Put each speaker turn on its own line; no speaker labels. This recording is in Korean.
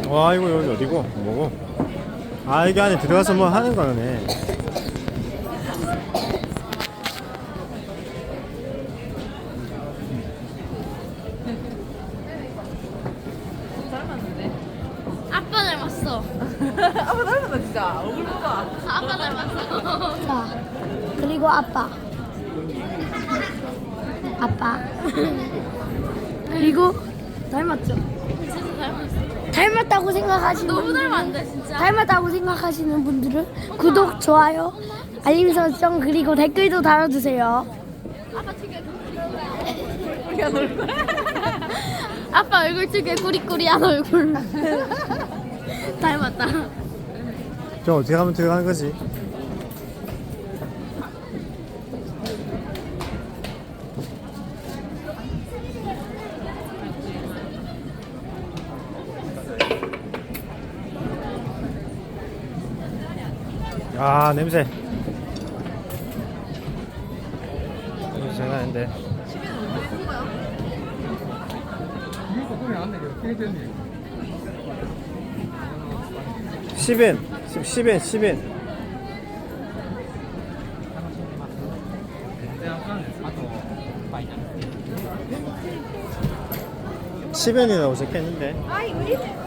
와 이거 여기 어디고? 뭐고? 아 이게 안에 들어가서 뭐 하는 거네.
아빠 닮았어.
아빠 닮았다 진짜. 얼굴 봐봐.
아빠 닮았어.
자, 그리고 아빠. 아빠. 그리고 닮았죠?
진짜 닮았어.
닮았다고 생각하시는
너무
분들은-
닮았는데 진짜.
닮았다고 생각하시는 분들은 구독, 좋아요, 알림 설정 그리고 댓글도 달아주세요.
아빠 특유의
우리가 놀 거야.
아빠 얼굴 특유의 꾸리꾸리한 얼굴. 닮았다.
저 어떻게 하면 들어가는 거지? 아 냄새. 냄새 장난 아닌데. 시벤, 10엔. 시벤이라고 적혀있는데.
아이 우리